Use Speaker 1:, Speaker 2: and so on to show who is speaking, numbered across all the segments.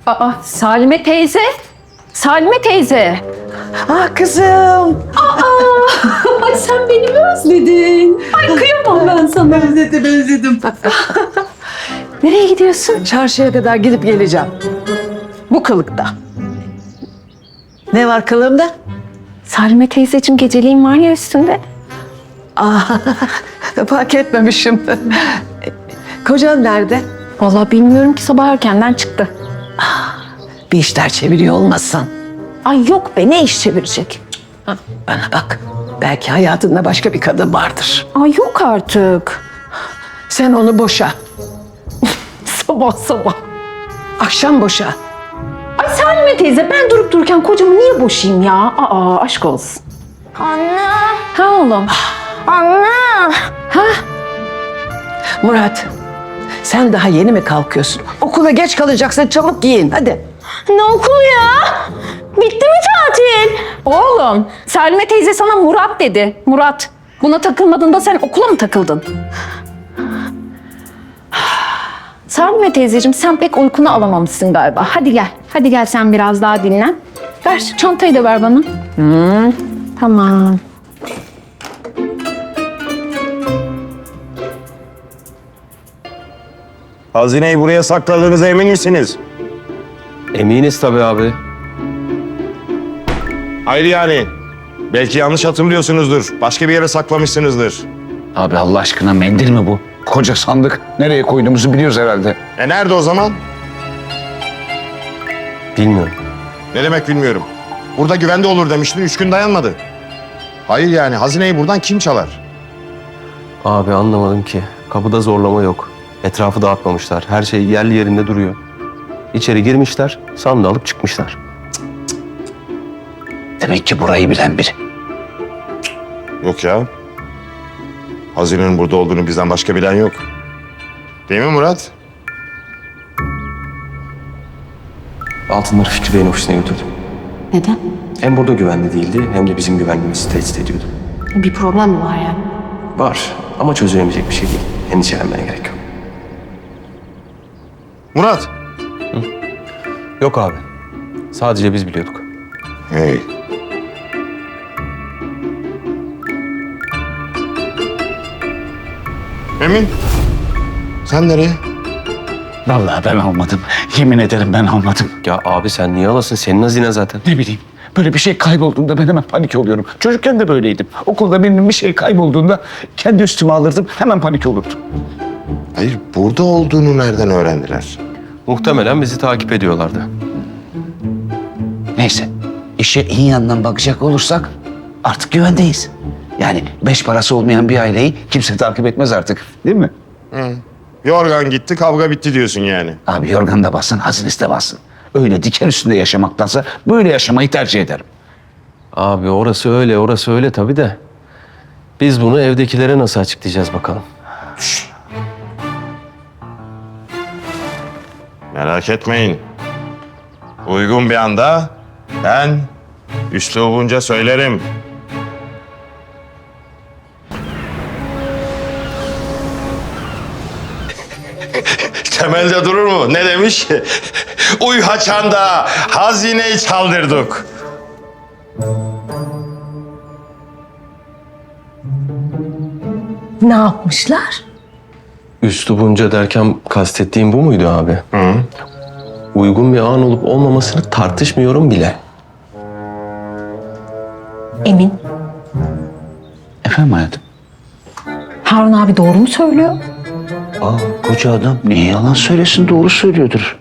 Speaker 1: Aa, Salime teyze. Salime teyze.
Speaker 2: Ah kızım.
Speaker 1: Ay sen beni mi özledin? Ay kıyamam ben sana.
Speaker 2: Özledim.
Speaker 1: Nereye gidiyorsun?
Speaker 2: Çarşıya kadar gidip geleceğim. Bu kılıkta. Ne var kılığımda?
Speaker 1: Salime teyzeciğim geceliğin var ya üstünde.
Speaker 2: Fark etmemişim. Kocan nerede?
Speaker 1: Vallahi bilmiyorum ki sabah erkenden çıktı.
Speaker 2: Bir işler çeviriyor olmasın.
Speaker 1: Ay yok be ne iş çevirecek?
Speaker 2: Bana bak. Belki hayatında başka bir kadın vardır.
Speaker 1: Ay yok artık.
Speaker 2: Sen onu boşa.
Speaker 1: Sabah sabah.
Speaker 2: Akşam boşa.
Speaker 1: Ay Salime teyze ben durup dururken kocamı niye boşayayım ya? Aa aşk olsun.
Speaker 3: Anne,
Speaker 1: Ha oğlum.
Speaker 3: anne.
Speaker 1: Ha?
Speaker 2: Murat, sen daha yeni mi kalkıyorsun? Okula geç kalacaksın. Çabuk giyin. Hadi.
Speaker 3: Ne okulu ya? Bitti mi tatil?
Speaker 1: Oğlum Salime teyze sana Murat dedi. Murat. Buna takılmadığında sen okula mı takıldın? Salime teyzeciğim sen pek uykunu alamamışsın galiba. Hadi gel. Hadi gel sen biraz daha dinlen. Ver şu çantayı da ver bana. Tamam.
Speaker 4: Hazineyi buraya sakladığınıza emin misiniz?
Speaker 5: Eminiz tabii abi.
Speaker 4: Hayır yani. Belki yanlış hatırlıyorsunuzdur. Başka bir yere saklamışsınızdır.
Speaker 6: Abi Allah aşkına mendil mi bu? Koca sandık. Nereye koyduğumuzu biliyoruz herhalde.
Speaker 4: Nerede o zaman?
Speaker 5: Bilmiyorum.
Speaker 4: Ne demek bilmiyorum. Burada güvende olur demiştin. 3 gün dayanmadı. Hayır yani hazineyi buradan kim çalar?
Speaker 5: Abi anlamadım ki. Kapıda zorlama yok. Etrafı dağıtmamışlar. Her şey yerli yerinde duruyor. İçeri girmişler, sandığı alıp çıkmışlar.
Speaker 6: Demek ki burayı bilen biri.
Speaker 4: Yok ya. Hazinenin burada olduğunu bizden başka bilen yok. Değil mi Murat?
Speaker 5: Altınları Fikri Bey'in ofisine götürdüm.
Speaker 3: Neden?
Speaker 5: Hem burada güvenli değildi, hem de bizim güvenliğimizi tehdit ediyordu.
Speaker 3: Bir problem mi var yani?
Speaker 5: Var ama çözülemeyecek bir şey değil. Endişelenmene gerek yok.
Speaker 4: Murat.
Speaker 5: Yok abi. Sadece biz biliyorduk.
Speaker 4: Hey. Emin. Sen nereye?
Speaker 6: Vallahi ben almadım. Yemin ederim ben almadım.
Speaker 5: Ya abi sen niye alasın? Senin hazine zaten.
Speaker 6: Ne bileyim. Böyle bir şey kaybolduğunda ben hemen panik oluyorum. Çocukken de böyleydim. Okulda benim bir şey kaybolduğunda kendi üstüme alırdım. Hemen panik olurdum.
Speaker 4: Hayır, burada olduğunu nereden öğrendiler?
Speaker 5: Muhtemelen bizi takip ediyorlardı.
Speaker 6: Neyse. İşe iyi yandan bakacak olursak artık güvendeyiz. Yani 5 parası olmayan bir aileyi kimse takip etmez artık. Değil mi?
Speaker 4: Yorgan gitti, kavga bitti diyorsun yani.
Speaker 6: Abi yorgan da bassın, hazinesi de bassın. Öyle diken üstünde yaşamaktansa böyle yaşamayı tercih ederim.
Speaker 5: Abi orası öyle tabii de. Biz bunu evdekilere nasıl açıklayacağız bakalım.
Speaker 4: Merak etmeyin. Uygun bir anda ben üslubunca söylerim. Temelde durur mu? Ne demiş? Uy haçanda hazineyi çaldırdık.
Speaker 3: Ne yapmışlar?
Speaker 5: Üslubunca derken kastettiğim bu muydu abi?
Speaker 4: Hı.
Speaker 5: Uygun bir an olup olmamasını tartışmıyorum bile.
Speaker 3: Emin.
Speaker 6: Efendim hayatım?
Speaker 1: Harun abi doğru mu söylüyor?
Speaker 6: Koca adam niye yalan söylesin, doğru söylüyordur.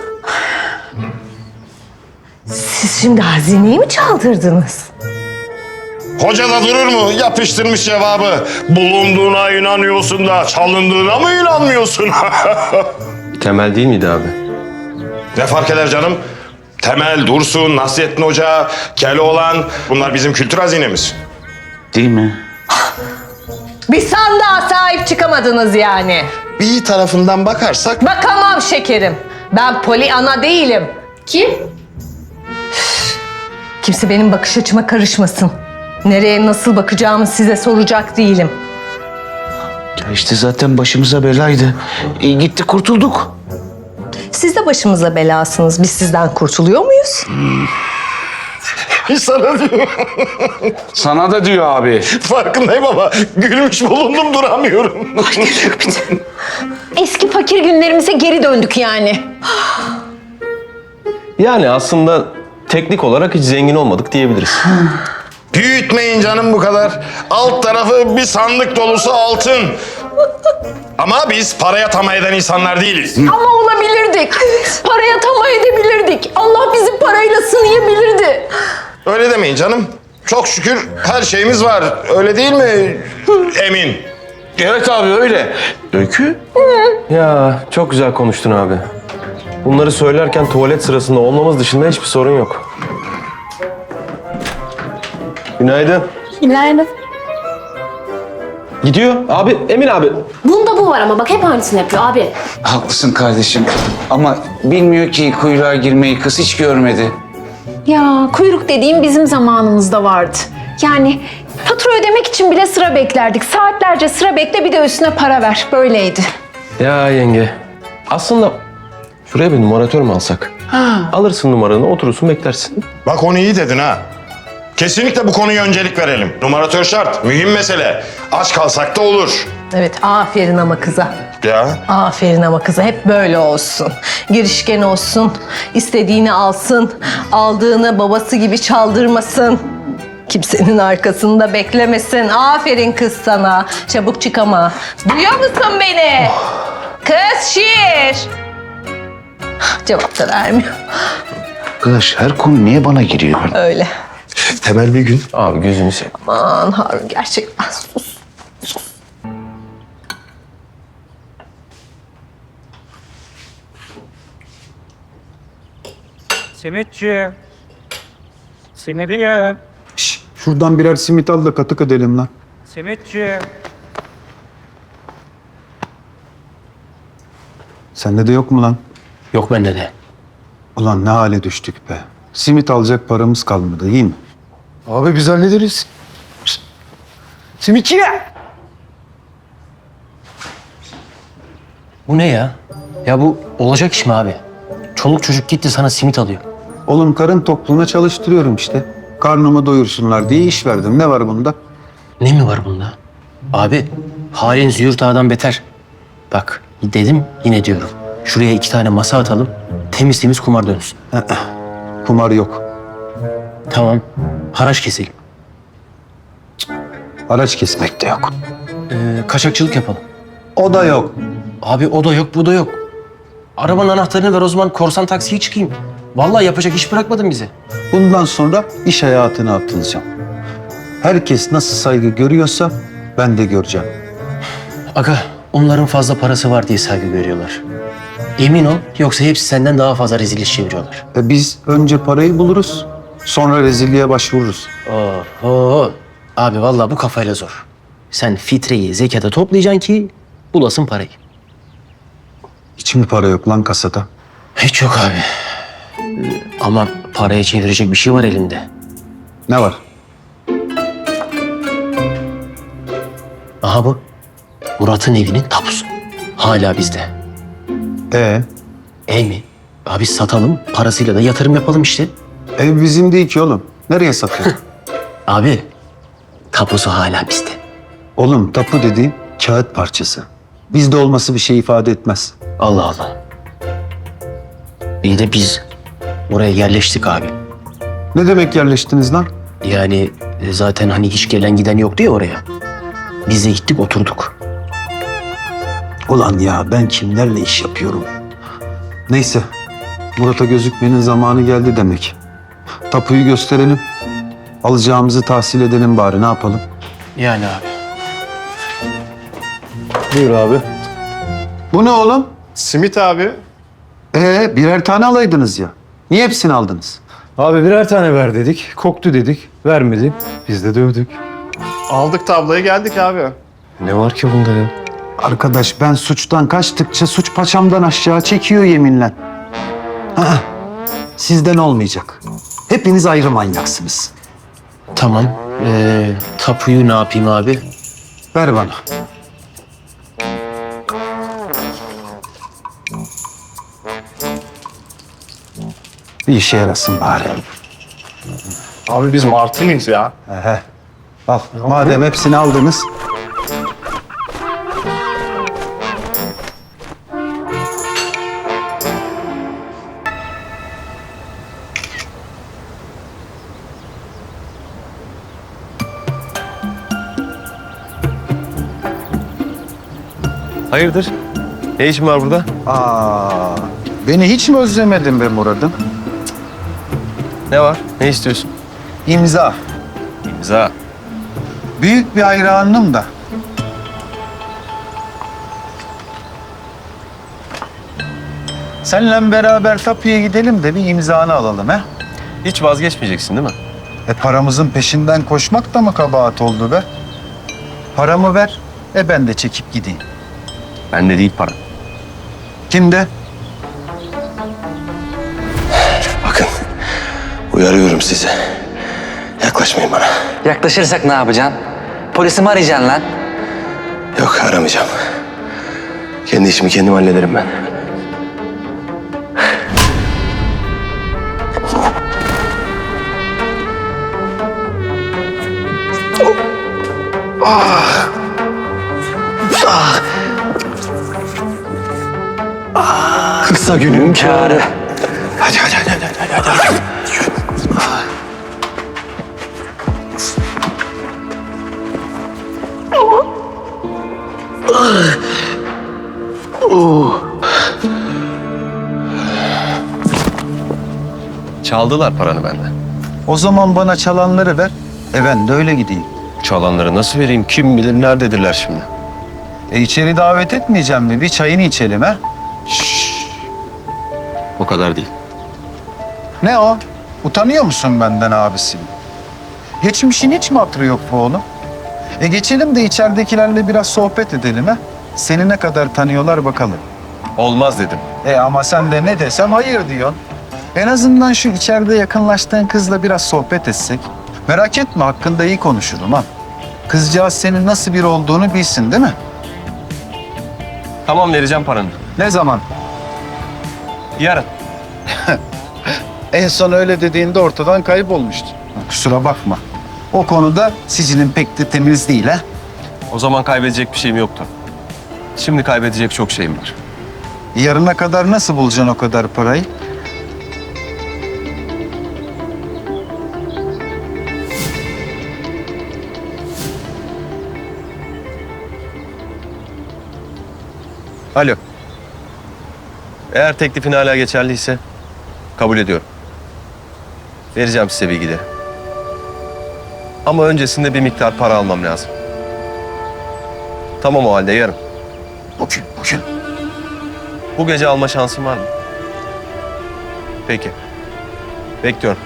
Speaker 3: Siz şimdi hazineyi mi çaldırdınız?
Speaker 4: Hoca da durur mu? Yapıştırmış cevabı. Bulunduğuna inanıyorsun da çalındığına mı inanmıyorsun?
Speaker 5: Temel değil miydi abi?
Speaker 4: Ne fark eder canım? Temel, Dursun, Nasrettin Hoca, Keloğlan bunlar bizim kültür hazinemiz.
Speaker 6: Değil mi?
Speaker 3: Bir sandığa sahip çıkamadınız yani.
Speaker 4: Bir tarafından bakarsak
Speaker 3: Bakamam şekerim. Ben Pollyanna değilim. Kim? Kimse benim bakış açıma karışmasın. Nereye nasıl bakacağımı size soracak değilim.
Speaker 6: Ya işte zaten başımıza belaydı. Gitti kurtulduk.
Speaker 3: Siz de başımıza belasınız. Biz sizden kurtuluyor muyuz?
Speaker 4: Sana diyor.
Speaker 6: Sana da diyor abi.
Speaker 4: Farkındayım ama gülmüş bulundum duramıyorum.
Speaker 1: Eski fakir günlerimize geri döndük yani.
Speaker 5: Yani aslında teknik olarak hiç zengin olmadık diyebiliriz.
Speaker 4: Büyütmeyin canım bu kadar. Alt tarafı bir sandık dolusu altın. Ama biz paraya tamah eden insanlar değiliz.
Speaker 1: Ama olabilirdik. Paraya tamah edebilirdik. Allah bizi parayla sınayabilirdi.
Speaker 4: Öyle demeyin canım. Çok şükür her şeyimiz var. Öyle değil mi Emin?
Speaker 5: Evet abi öyle. Öykü? Ya çok güzel konuştun abi. Bunları söylerken tuvalet sırasında olmamız dışında hiçbir sorun yok. Günaydın.
Speaker 1: Günaydın.
Speaker 5: Gidiyor. Abi, Emin abi.
Speaker 7: Bunda bu var ama bak hep aynısını yapıyor abi.
Speaker 6: Haklısın kardeşim. Ama bilmiyor ki kuyruğa girmeyi kız hiç görmedi.
Speaker 1: Ya kuyruk dediğim bizim zamanımızda vardı. Yani fatura ödemek için bile sıra beklerdik. Saatlerce sıra bekle bir de üstüne para ver. Böyleydi.
Speaker 5: Ya yenge. Aslında şuraya bir numaratör mü alsak? Alırsın numaranı, oturursun beklersin.
Speaker 4: Bak onu iyi dedin ha. Kesinlikle bu konuya öncelik verelim. Numaratör şart. Mühim mesele. Aç kalsak da olur.
Speaker 3: Evet, aferin ama kıza.
Speaker 4: Ya.
Speaker 3: Aferin ama kıza. Hep böyle olsun. Girişken olsun. İstediğini alsın. Aldığını babası gibi çaldırmasın. Kimsenin arkasında beklemesin. Aferin kız sana. Çabuk çık ama. Duyuyor musun beni? Kız şiir. Cevap da vermiyor.
Speaker 6: Arkadaş her konu niye bana giriyor?
Speaker 3: Öyle.
Speaker 4: Temel bir gün.
Speaker 5: Abi gözünü seveyim.
Speaker 3: Aman Harun gerçekten sus.
Speaker 8: Simitçi. Simidi ye.
Speaker 9: Şuradan birer simit al da katık edelim lan.
Speaker 8: Simitçi.
Speaker 9: Sende de yok mu lan?
Speaker 10: Yok bende de.
Speaker 9: Ulan ne hale düştük be. Simit alacak paramız kalmadı, iyi mi?
Speaker 5: Abi biz hallederiz.
Speaker 9: Simitçi ya!
Speaker 10: Bu ne ya? Ya bu olacak iş mi abi? Çoluk çocuk gitti sana simit alıyor.
Speaker 9: Oğlum karın tokluğuna çalıştırıyorum işte. Karnımı doyursunlar diye iş verdim. Ne var bunda?
Speaker 10: Ne mi var bunda? Abi halin züğürt ağadan beter. Bak dedim yine diyorum. Şuraya 2 tane masa atalım. Temiz temiz kumar dönsün.
Speaker 9: Kumar yok.
Speaker 10: Tamam. Haraç keselim.
Speaker 9: Araç kesmek de yok.
Speaker 10: Kaçakçılık yapalım.
Speaker 9: O da yok.
Speaker 10: Abi o da yok bu da yok. Arabanın anahtarını ver o zaman korsan taksiye çıkayım. Vallahi yapacak iş bırakmadın bize.
Speaker 9: Bundan sonra iş hayatına atılacağım. Herkes nasıl saygı görüyorsa ben de göreceğim.
Speaker 10: Aga onların fazla parası var diye saygı görüyorlar. Emin ol yoksa hepsi senden daha fazla rezil iş çeviriyorlar.
Speaker 9: Biz önce parayı buluruz, sonra rezilliğe başvururuz.
Speaker 10: Oho. Abi vallahi bu kafayla zor. Sen fitreyi, zekata toplayacaksın ki bulasın parayı.
Speaker 9: Hiç mi para yok lan kasada?
Speaker 10: Hiç yok abi. Ama paraya çevirecek bir şey var elinde.
Speaker 9: Ne var?
Speaker 10: Aha bu. Murat'ın evinin tapusu. Hala bizde. Mi? Abi satalım, parasıyla da yatırım yapalım işte.
Speaker 9: Ev bizim değil ki oğlum. Nereye satıyorsun?
Speaker 10: Abi, tapusu hala bizde.
Speaker 9: Oğlum tapu dediğin kağıt parçası. Bizde olması bir şey ifade etmez.
Speaker 10: Allah Allah. İyi de biz oraya yerleştik abi.
Speaker 9: Ne demek yerleştiniz lan?
Speaker 10: Yani zaten hani hiç gelen giden yoktu ya oraya. Biz de gittik oturduk.
Speaker 9: Ulan ya ben kimlerle iş yapıyorum? Neyse. Murat'a gözükmenin zamanı geldi demek. Tapuyu gösterelim. Alacağımızı tahsil edelim bari, ne yapalım?
Speaker 10: Yani abi.
Speaker 5: Buyur abi.
Speaker 9: Bu ne oğlum?
Speaker 11: Simit abi.
Speaker 9: Birer tane alaydınız ya. Niye hepsini aldınız?
Speaker 11: Abi birer tane ver dedik. Koktu dedik. Vermedi. Biz de dövdük. Aldık tablayı geldik abi.
Speaker 5: Ne var ki bunda ya?
Speaker 9: Arkadaş ben suçtan kaçtıkça suç paçamdan aşağı çekiyor yeminle. Sizden olmayacak. Hepiniz ayrı manyaksınız.
Speaker 10: Tamam. Tapuyu ne yapayım abi?
Speaker 9: Ver bana. Bir işe yarasın bari.
Speaker 11: Abi biz martı mıyız ya?
Speaker 9: Al, madem hepsini aldınız.
Speaker 5: Hayırdır? Ne işin var burada?
Speaker 9: Beni hiç mi özlemedin be Murat'ım?
Speaker 5: Ne var? Ne istiyorsun?
Speaker 9: İmza.
Speaker 5: İmza.
Speaker 9: Büyük bir hayranım da. Seninle beraber tapuya gidelim de bir imzanı alalım he?
Speaker 5: Hiç vazgeçmeyeceksin değil mi?
Speaker 9: Paramızın peşinden koşmak da mı kabahat oldu be? Paramı ver, ben de çekip gideyim.
Speaker 5: Bende değil para.
Speaker 9: Kimde?
Speaker 5: Bakın, uyarıyorum sizi. Yaklaşmayın bana.
Speaker 6: Yaklaşırsak ne yapacaksın? Polisi mi arayacaksın lan?
Speaker 5: Yok, aramayacağım. Kendi işimi kendim hallederim ben. Kısa günün kârı. Hadi. Çaldılar paranı benden.
Speaker 9: O zaman bana çalanları ver, ben de öyle gideyim.
Speaker 5: Çalanları nasıl vereyim? Kim bilir nerededirler şimdi?
Speaker 9: İçeri davet etmeyeceğim mi? Bir çayını içelim ha?
Speaker 5: O kadar değil.
Speaker 9: Ne o? Utanıyor musun benden abisi? Geçmişin hiç mi hatırı yok bu oğlum? Geçelim de içeridekilerle biraz sohbet edelim ha? Seni ne kadar tanıyorlar bakalım.
Speaker 5: Olmaz dedim.
Speaker 9: Ama sen de ne desem hayır diyorsun. En azından şu içeride yakınlaştığın kızla biraz sohbet etsek. Merak etme, hakkında iyi konuşurum ha. Kızcağız senin nasıl biri olduğunu bilsin değil mi?
Speaker 5: Tamam, vereceğim paranı.
Speaker 9: Ne zaman?
Speaker 5: Yarın.
Speaker 9: En son öyle dediğinde ortadan kaybolmuştu. Kusura bakma. O konuda sicilin pek de temiz değil ha.
Speaker 5: O zaman kaybedecek bir şeyim yoktu. Şimdi kaybedecek çok şeyim var.
Speaker 9: Yarına kadar nasıl bulacaksın o kadar parayı?
Speaker 5: Alo. Eğer teklifin hala geçerliyse kabul ediyorum. Vereceğim size bilgileri. Ama öncesinde bir miktar para almam lazım. Tamam, o halde yarın.
Speaker 9: Bugün.
Speaker 5: Bu gece alma şansın var mı? Peki. Bekliyorum.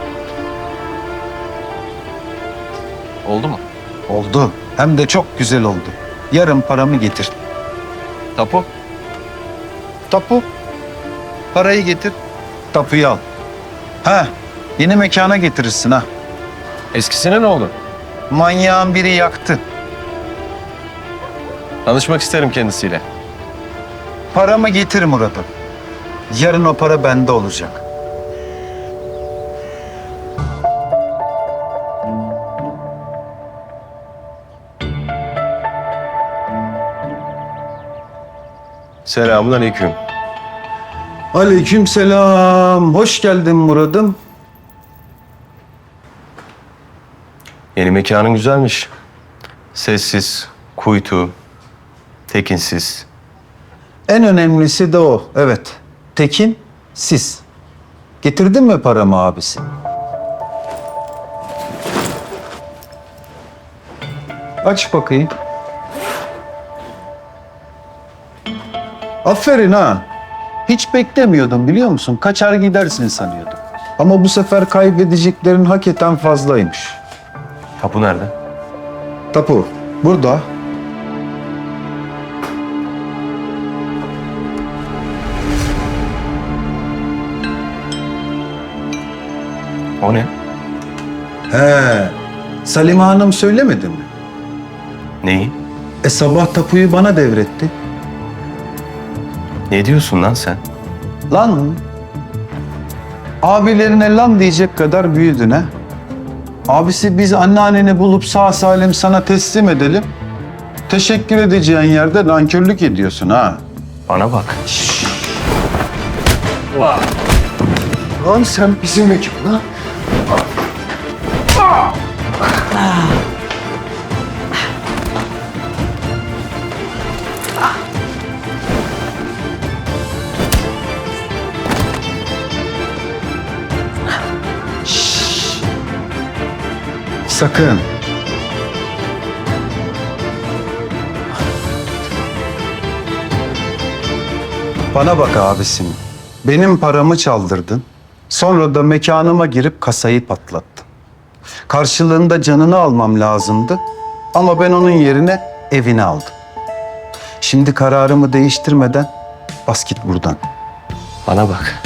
Speaker 5: Oldu mu?
Speaker 9: Oldu. Hem de çok güzel oldu. Yarın paramı getir.
Speaker 5: Tapu?
Speaker 9: Tapu. Parayı getir. Tapuyu al. Yeni mekana getirirsin ha.
Speaker 5: Eskisine ne oldu?
Speaker 9: Manyağın biri yaktı.
Speaker 5: Tanışmak isterim kendisiyle.
Speaker 9: Paramı getir Murat'ım. Yarın o para bende olacak.
Speaker 5: Selamünaleyküm.
Speaker 9: Aleykümselam. Hoş geldin Murat'ım.
Speaker 5: Yeni mekanın güzelmiş. Sessiz, kuytu, tekinsiz.
Speaker 9: En önemlisi de o. Evet. Tekin, siz. Getirdin mi paramı abisi? Aç bakayım. Aferin ha. Hiç beklemiyordum biliyor musun? Kaçar gidersin sanıyordum. Ama bu sefer kaybedeceklerin hakikaten fazlaymış.
Speaker 5: Tapu nerede?
Speaker 9: Tapu, burada.
Speaker 5: O ne?
Speaker 9: Salime Hanım söylemedi mi?
Speaker 5: Neyi?
Speaker 9: Sabah tapuyu bana devretti.
Speaker 5: Ne diyorsun lan sen?
Speaker 9: Lan Abilerine lan diyecek kadar büyüdün ha. Abisi biz anneanneni bulup sağ salim sana teslim edelim. Teşekkür edeceğin yerde nankörlük ediyorsun ha.
Speaker 5: Bana bak.
Speaker 9: Lan sen bizim ekip lan. Sakın. Bana bak abisim. Benim paramı çaldırdın. Sonra da mekanıma girip kasayı patlattın. Karşılığında canını almam lazımdı. Ama ben onun yerine evini aldım. Şimdi kararımı değiştirmeden bas git buradan.
Speaker 5: Bana bak.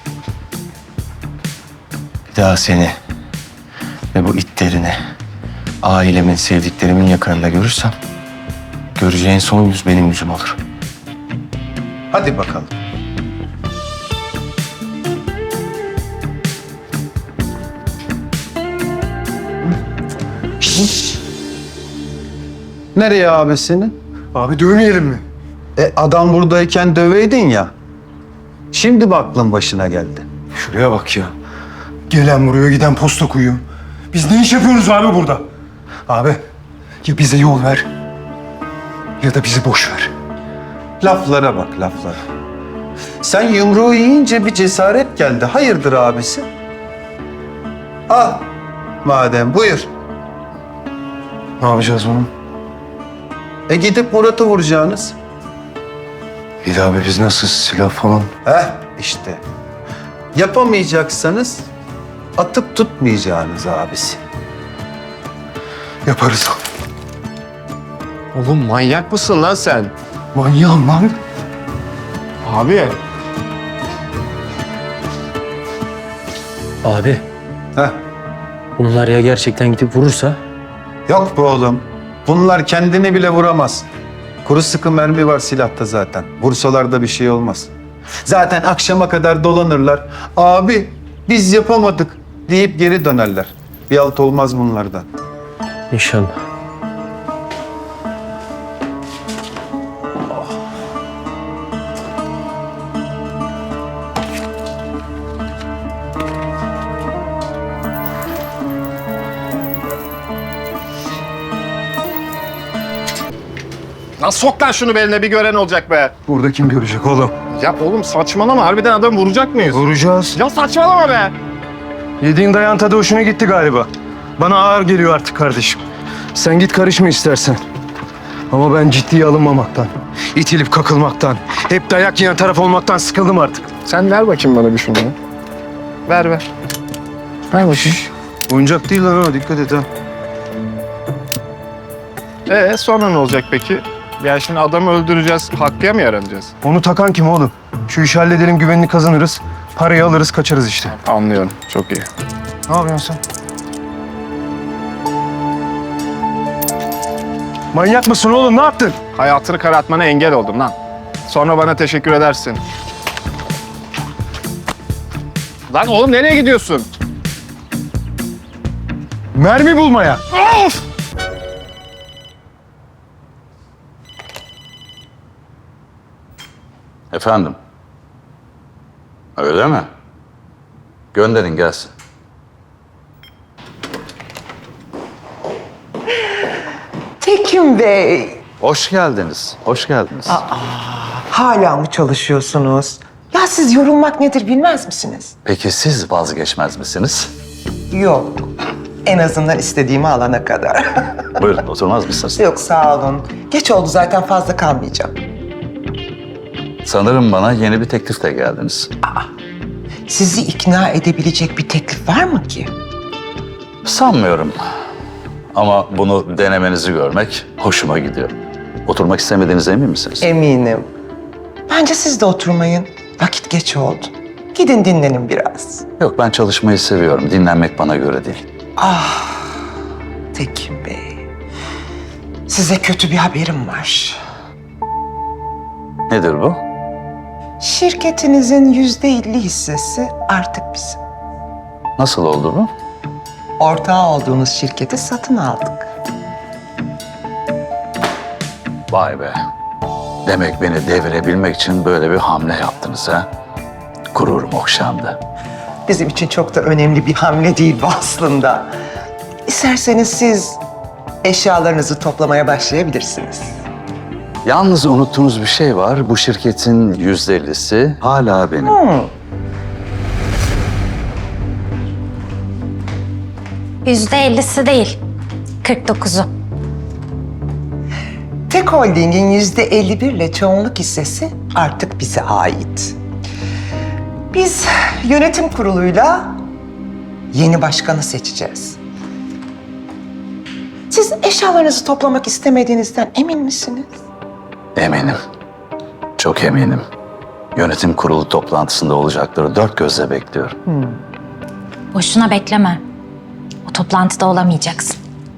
Speaker 5: Bir daha seni ve bu itlerini ailemin, sevdiklerimin yakınında görürsem göreceğin son yüz benim yüzüm olur.
Speaker 9: Hadi bakalım. Nereye abisini?
Speaker 11: Abi dövmeyelim mi?
Speaker 9: Adam buradayken döveydin ya. Şimdi mi aklın başına geldi?
Speaker 11: Şuraya bak ya. Gelen vuruyor, giden posta koyuyor. Biz ne iş yapıyoruz abi burada? Abi, ya bize yol ver ya da bizi boş ver.
Speaker 9: Laflara bak, laflara. Sen yumruğu yiyince bir cesaret geldi. Hayırdır abisi? Al. Madem buyur.
Speaker 11: Ne yapacağız bunu?
Speaker 9: Gidip Murat'ı vuracaksınız.
Speaker 11: Bir de abi biz nasıl silah falan?
Speaker 9: İşte. Yapamayacaksanız atıp tutmayacağınız abisi.
Speaker 11: Yaparız.
Speaker 5: Oğlum manyak mısın lan sen?
Speaker 11: Manyağım lan.
Speaker 5: Abi.
Speaker 10: Abi
Speaker 9: Heh.
Speaker 10: bunlar ya gerçekten gidip vurursa?
Speaker 9: Yok be oğlum. Bunlar kendini bile vuramaz. Kuru sıkı mermi var silahta zaten. Vursalar da bir şey olmaz. Zaten akşama kadar dolanırlar. Abi biz yapamadık deyip geri dönerler. Bir alt olmaz bunlardan.
Speaker 10: İnşallah.
Speaker 11: Lan sok lan şunu beline, bir gören olacak be. Burada kim görecek oğlum? Ya oğlum saçmalama, harbiden adam vuracak mıyız? Vuracağız. Ya saçmalama be. Yediğin dayan tadı hoşuna gitti galiba. Bana ağır geliyor artık kardeşim. Sen git karışma istersen. Ama ben ciddiye alınmamaktan, itilip kakılmaktan, hep dayak yiyen taraf olmaktan sıkıldım artık. Sen ver bakayım bana bir şunu. Ver. Ver bakayım.
Speaker 9: Oyuncak değil lan o, dikkat et ha.
Speaker 11: Sonra ne olacak peki? Ya şimdi adamı öldüreceğiz, Hakkı'ya mı yaranacağız? Onu takan kim oğlum? Şu işi halledelim, güvenini kazanırız. Parayı alırız, kaçarız işte. Anlıyorum, çok iyi. Ne yapıyorsun sen? Manyak mısın oğlum, ne yaptın? Hayatını karartmana engel oldum lan. Sonra bana teşekkür edersin. Lan oğlum nereye gidiyorsun? Mermi bulmaya. Of!
Speaker 6: Efendim? Öyle mi? Gönderin gelsin.
Speaker 12: Tekin Bey,
Speaker 6: Hoş geldiniz, hoş geldiniz.
Speaker 12: hala mı çalışıyorsunuz? Ya siz yorulmak nedir bilmez misiniz?
Speaker 6: Peki siz vazgeçmez misiniz?
Speaker 12: Yok, en azından istediğimi alana kadar.
Speaker 6: Buyurun, oturmaz mısınız?
Speaker 12: Yok sağ olun. Geç oldu zaten, fazla kalmayacağım.
Speaker 6: Sanırım bana yeni bir teklifle geldiniz.
Speaker 12: Sizi ikna edebilecek bir teklif var mı ki?
Speaker 6: Sanmıyorum. Ama bunu denemenizi görmek hoşuma gidiyor. Oturmak istemediğinize emin misiniz?
Speaker 12: Eminim. Bence siz de oturmayın. Vakit geç oldu. Gidin dinlenin biraz.
Speaker 6: Yok, ben çalışmayı seviyorum. Dinlenmek bana göre değil.
Speaker 12: Tekin Bey, size kötü bir haberim var.
Speaker 6: Nedir bu?
Speaker 12: Şirketinizin %50 hissesi artık bizim.
Speaker 6: Nasıl oldu bu?
Speaker 12: Ortağı olduğunuz şirketi satın aldık.
Speaker 6: Vay be. Demek beni devirebilmek için böyle bir hamle yaptınız ha? Gururum okşandı.
Speaker 12: Bizim için çok da önemli bir hamle değil bu aslında. İsterseniz siz eşyalarınızı toplamaya başlayabilirsiniz.
Speaker 6: Yalnız unuttuğunuz bir şey var. Bu şirketin %50'si hala benim.
Speaker 7: %50'si değil. 49'u.
Speaker 12: Tek Holding'in %51 ile çoğunluk hissesi artık bize ait. Biz yönetim kuruluyla yeni başkanı seçeceğiz. Siz eşyalarınızı toplamak istemediğinizden emin misiniz?
Speaker 6: Eminim. Çok eminim. Yönetim kurulu toplantısında olacakları dört gözle bekliyorum.
Speaker 7: Boşuna bekleme. O toplantıda olamayacaksın.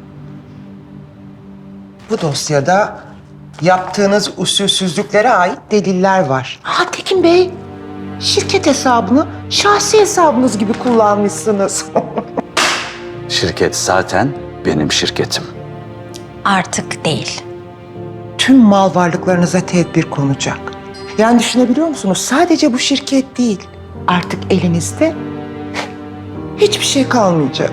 Speaker 12: Bu dosyada yaptığınız usulsüzlüklere ait deliller var. Tekin Bey, şirket hesabını şahsi hesabınız gibi kullanmışsınız.
Speaker 6: Şirket zaten benim şirketim.
Speaker 7: Artık değil.
Speaker 12: Tüm mal varlıklarınıza tedbir konacak. Yani düşünebiliyor musunuz? Sadece bu şirket değil. Artık elinizde hiçbir şey kalmayacak.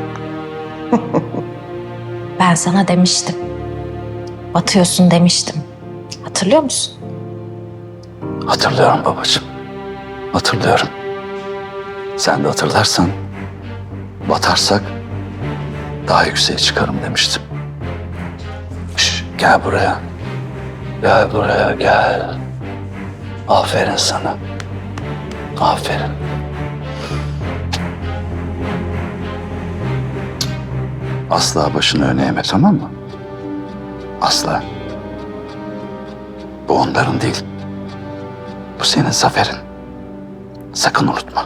Speaker 7: Ben sana demiştim. Batıyorsun demiştim. Hatırlıyor musun?
Speaker 6: Hatırlıyorum babacığım. Hatırlıyorum. Sen de hatırlarsan batarsak daha yükseğe çıkarım demiştim. Gel buraya. Gel buraya gel. Aferin sana. Aferin. Asla başını öne eğme, tamam mı? Asla. Bu onların değil. Bu senin zaferin. Sakın unutma.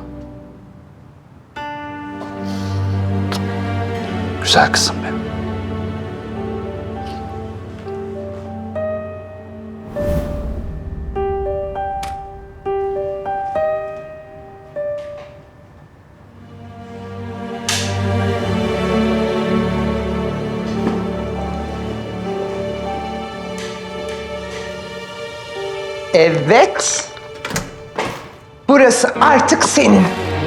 Speaker 6: Güzel kızım benim.
Speaker 12: Evet. Burası artık senin.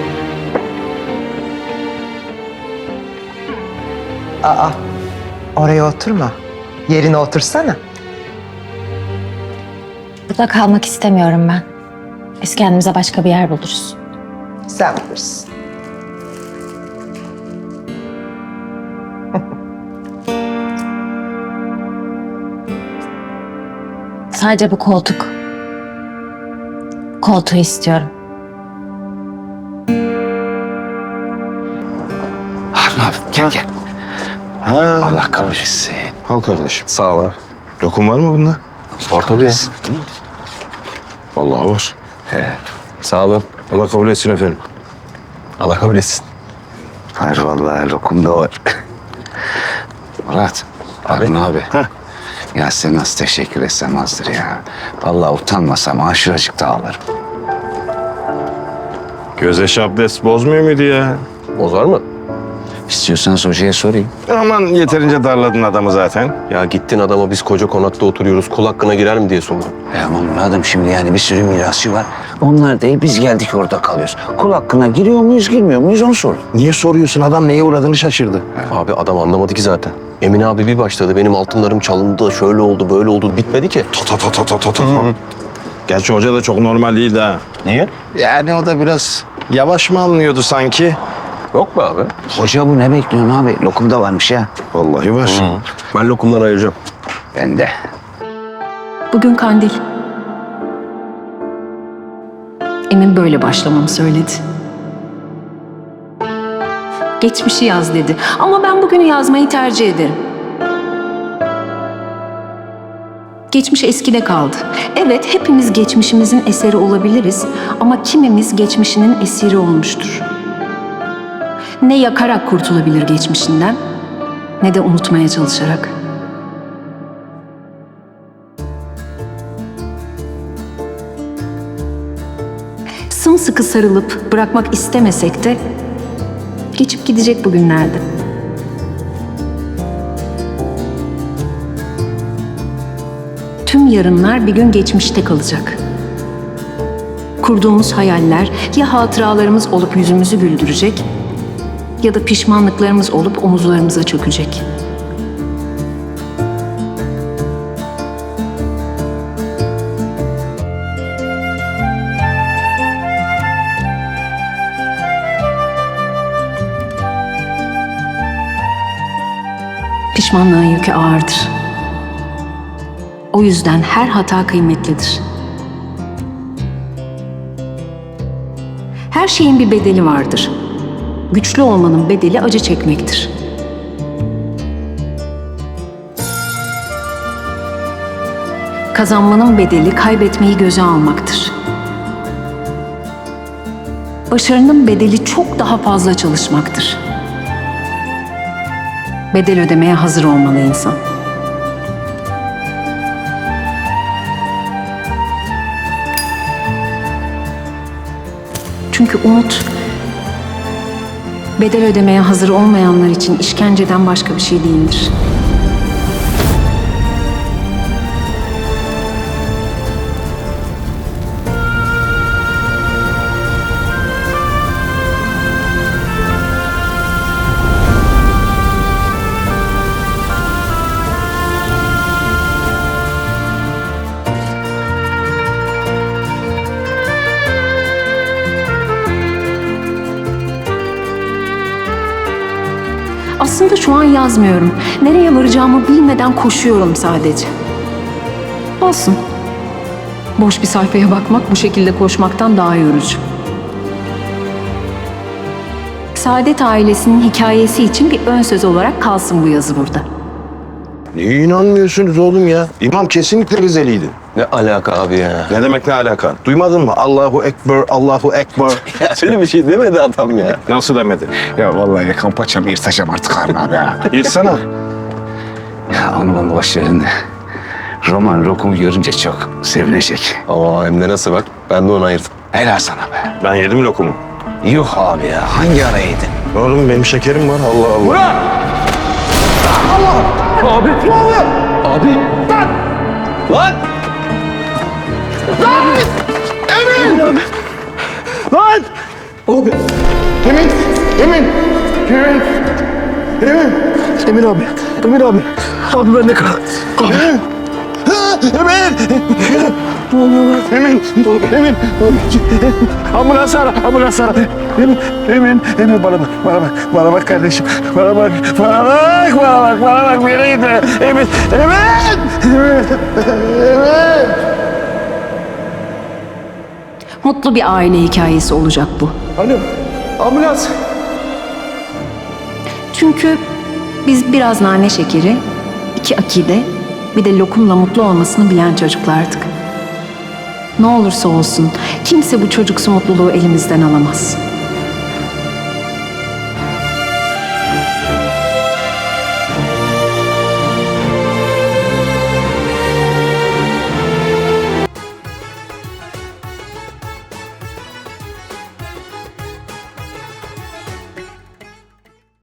Speaker 12: Oraya oturma. Yerine otursana.
Speaker 7: Burada kalmak istemiyorum ben. Biz kendimize başka bir yer buluruz.
Speaker 12: Sen bilirsin.
Speaker 7: Sadece bu koltuk. Koltuğu istiyorum.
Speaker 6: Harun abi gel gel. Allah kahretsin.
Speaker 4: Al kardeşim. Sağ ol. Lokum var mı bunda?
Speaker 5: Var tabii.
Speaker 4: Vallahi var.
Speaker 5: Sağ olun.
Speaker 4: Allah kabul etsin efendim.
Speaker 5: Allah kabul etsin.
Speaker 6: Hayır vallahi lokum da var. Murat. Harun abi. Ya sen nasıl teşekkür etsem azdır ya. Vallahi utanmasam aşırıcık da ağlarım.
Speaker 4: Göze şaples bozmuyor muydu ya?
Speaker 5: Bozar mı?
Speaker 6: İstiyorsanız hocaya sorayım.
Speaker 4: Aman yeterince darladın adamı zaten.
Speaker 5: Ya gittin adama biz koca konakta oturuyoruz. Kul hakkına girer mi diye sordum.
Speaker 6: Ama Murat'ım şimdi yani bir sürü mirasçı var. Onlar değil biz geldik orada kalıyoruz. Kul hakkına giriyor muyuz girmiyor muyuz onu sor.
Speaker 4: Niye soruyorsun? Adam neye uğradığını şaşırdı.
Speaker 5: Abi adam anlamadı ki zaten. Emine abi bir başladı. Benim altınlarım çalındı. Şöyle oldu, böyle oldu. Bitmedi ki.
Speaker 4: Gerçi hoca da çok normal değildi ha.
Speaker 5: Niye?
Speaker 4: Yani o da biraz yavaş mı alınıyordu sanki?
Speaker 5: Yok mu abi?
Speaker 6: Hoca bu ne bekliyorsun abi? Lokum da varmış ya.
Speaker 4: Vallahi var.
Speaker 5: Ben lokumdan ayıracağım.
Speaker 6: Ben de.
Speaker 1: Bugün kandil. Emin böyle başlamamı söyledi. Geçmişi yaz dedi. Ama ben bugünü yazmayı tercih ederim. Geçmiş eskide kaldı. Evet, hepimiz geçmişimizin eseri olabiliriz ama kimimiz geçmişinin esiri olmuştur. Ne yakarak kurtulabilir geçmişinden, ne de unutmaya çalışarak. Sımsıkı sarılıp bırakmak istemesek de Geçip gidecek bugünlerde. Tüm yarınlar bir gün geçmişte kalacak. Kurduğumuz hayaller ya hatıralarımız olup yüzümüzü güldürecek ya da pişmanlıklarımız olup omuzlarımıza çökecek. Pişmanlığın yükü ağırdır. O yüzden her hata kıymetlidir. Her şeyin bir bedeli vardır. Güçlü olmanın bedeli acı çekmektir. Kazanmanın bedeli kaybetmeyi göze almaktır. Başarının bedeli çok daha fazla çalışmaktır. Bedel ödemeye hazır olmalı insan. Çünkü umut, bedel ödemeye hazır olmayanlar için işkenceden başka bir şey değildir. Aslında şu an yazmıyorum. Nereye varacağımı bilmeden koşuyorum sadece. Olsun. Boş bir sayfaya bakmak bu şekilde koşmaktan daha yorucu. Saadet ailesinin hikayesi için bir ön söz olarak kalsın bu yazı burada.
Speaker 4: Niye inanmıyorsunuz oğlum ya? İmam kesinlikle Rizeliydi.
Speaker 5: Ne alaka abi ya?
Speaker 4: Ne demek ne alaka? Duymadın mı? Allahu Ekber, Allahu Ekber.
Speaker 5: Öyle bir şey demedi adam ya.
Speaker 4: Nasıl demedi?
Speaker 6: Ya vallahi yakan paçamı yırtacağım artık Harun abi ya.
Speaker 4: Yırtsana.
Speaker 6: Ya onu boş verin de. Roman Rokum'u görünce çok sevinecek.
Speaker 5: Ama hem de nasıl bak. Ben de onu ayırdım.
Speaker 6: Helal sana be.
Speaker 4: Ben yedim lokumu.
Speaker 6: Yok abi ya. Hangi ara yedin?
Speaker 4: Oğlum benim şekerim var. Allah Allah.
Speaker 5: Abi! Abi! Lan! Lan!
Speaker 11: Lan! Abi. Emin. Emin abi. Emin abi. Abi ben de kal. Abi. Emin. Ambulans ara. Emin bana bak kardeşim. Bana bak. Bir yere gitme. Emin.
Speaker 1: Mutlu bir aile hikayesi olacak bu.
Speaker 11: Alo. Ambulans.
Speaker 1: Çünkü biz biraz nane şekeri, 2 akide, bir de lokumla mutlu olmasını bilen çocuklardık. Ne olursa olsun kimse bu çocuksu mutluluğu elimizden alamaz.